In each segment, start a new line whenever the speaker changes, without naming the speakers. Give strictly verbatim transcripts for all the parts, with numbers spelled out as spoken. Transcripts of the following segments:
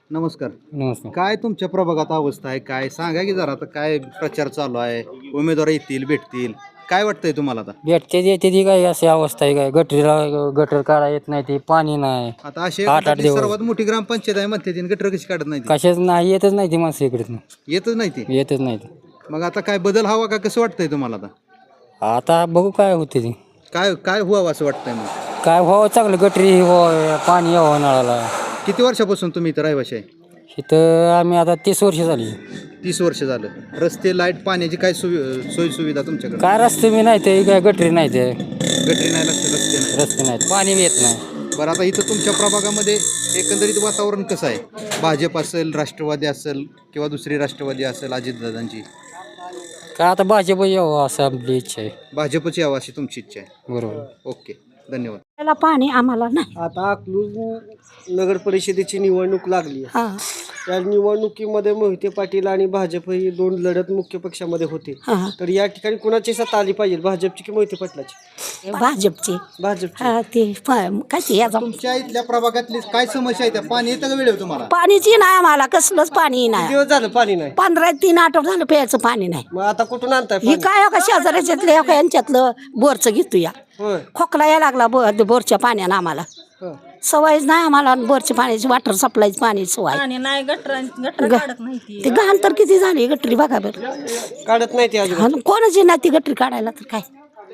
नमस्कार.
नमस्कार.
काय तुमच्या प्रभागात अवस्था आहे, काय सांगा की जरा. आता काय प्रचार चालू आहे, उमेदवार येतील भेटतील, काय वाटतंय तुम्हाला आता?
भेटते येते ती काय अशी अवस्था आहे काय गटरीला गटर काढा येत नाही ती पाणी नाही
आता अशी
आठ आठ
एखादी
दिवस.
सर्वात मोठी ग्रामपंचायत आहे म्हणते तीन गटर कशी काढत नाही ती?
कशाच नाही येतच नाही ती माणसं इकडे
येतच नाही ती.
येतच नाही ती.
मग आता काय बदल हवा का, कसं वाटतंय तुम्हाला आता?
आता बघू काय होते ती
काय काय व्हावं असं वाटतंय मग?
काय व्हावं चांगलं गटरी व्हावं पाणी यावं नळाला.
किती वर्षापासून तुम्ही इथं रहिवाशी आहे?
इथं आम्ही आता तीस वर्ष झाली.
तीस वर्ष झालं. रस्ते, लाईट, पाण्याची काय सुवि सोयी सुविधा तुमच्याकडे?
काय रस्ते मी नाही ते काय गटरी नाही ते
गटरी नाही, रस्ते रस्ते नाही.
रस्ते नाहीत पाणी बी येत नाही.
बरं, आता इथं तुमच्या प्रभागामध्ये एकंदरीत वातावरण कसं आहे? भाजप असेल, राष्ट्रवादी असेल किंवा दुसरी राष्ट्रवादी असेल अजितदादांची?
काय आता भाजप यावं असं आपली इच्छा आहे.
भाजपची यावं अशी तुमची इच्छा आहे?
बरोबर.
ओके, धन्यवाद.
त्याला पाणी आम्हाला नाही.
आता अकलूज नगर परिषदेची निवडणूक लागली आहे.
हा
त्या निवडणुकीमध्ये मोहिते पाटील आणि भाजप ही दोन लढत मुख्य पक्षामध्ये होते.
हा
तर या ठिकाणी कुणाची सत्ता आली पाहिजे, भाजपची की मोहिते पाटलाची?
भाजपचे.
भाजपची.
हा ते प- काय ते याचा
तुमच्या इथल्या प्रभागातली काय समस्या आहे? त्या पाणी येतं का वेळेवर तुम्हाला?
पाणीची नाही आम्हाला कसलंच पाणी नाही.
दिवस झालं पाणी नाही.
पंधरा तीन आठवड झालं प्यायचं पाणी नाही.
मग आता कुठून आणताय
ही
पाणी?
काय का शेजाऱ्याच्यातलं का यांच्यातलं बोरचं घेतो या
होय.
खोकला यायला लागला बो बोरच्या पाण्यानं आम्हाला.
हं.
सवयच नाही आम्हाला बोरच्या पाण्याची वॉटर सप्लायची पाणी सवय.
आणि नाही गटर गटर काढत नाही ती.
ते घाण तर किती झाली गटरी बघा बरं.
काढत नाही ते अजून.
आणि कोणाची नाही ती गटरी काढायला तर काय.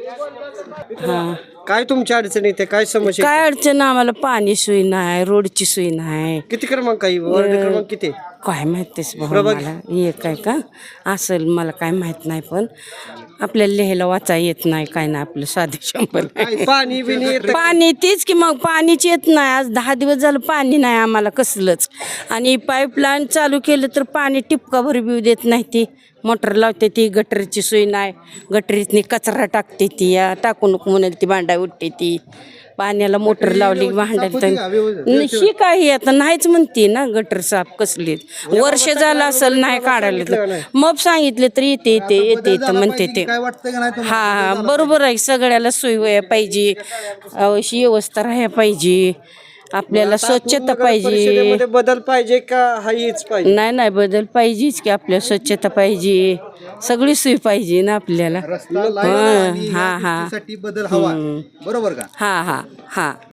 काय तुमच्या अडचणी त्या काय समस्या आहेत?
काय अडचण आम्हाला पाणी सोय नाही रोडची सोय नाही
किती क्रमांक आहे? वार्ड क्रमांक किती आहे?
काय माहितीच भाऊ
प्रभाग-
मला एक आहे का असेल मला काय माहित नाही पण आपल्याला लिहायला वाचा येत नाही काय नाही आपलं साधे शंभर
काय पाणी बिणी येतं?
पाणी तेच की मग पाणीच येत नाही आज दहा दिवस झालं पाणी नाही आम्हाला कसलंच आणि पाईपलाईन चालू केलं तर पाणी टिपका भर बिऊ देत नाही ती मोटर लावते ती गटरीची सोय नाही गटरीतनी कचरा टाकते ती या टाकू नको म्हणाल ती भांडा उठते ती पाण्याला मोटर लावली भांड्यात ही काही आता नाहीच म्हणते ना गटर साफ कसली वर्ष झालं असेल नाही काढायला तर मग सांगितले तर येते येते येते येते म्हणते ते
काय वाटतंय का नाही
हा
तुम्हाला?
हा बरोबर आहे सगळ्याला सोय व्हायला पाहिजे अशी व्यवस्था राहायला पाहिजे आपल्याला स्वच्छता
नगर
पाहिजे
परिषदेमध्ये बदल पाहिजे का हा हीच पाहिजे?
नाही नाही बदल पाहिजेच की आपल्याला स्वच्छता पाहिजे सगळी सोय पाहिजे ना आपल्याला
रस्ता, लाईट आणि
हा,
ह्या
हा.
गोष्टीसाठी बदल हवा, बरोबर का?
हा हा हा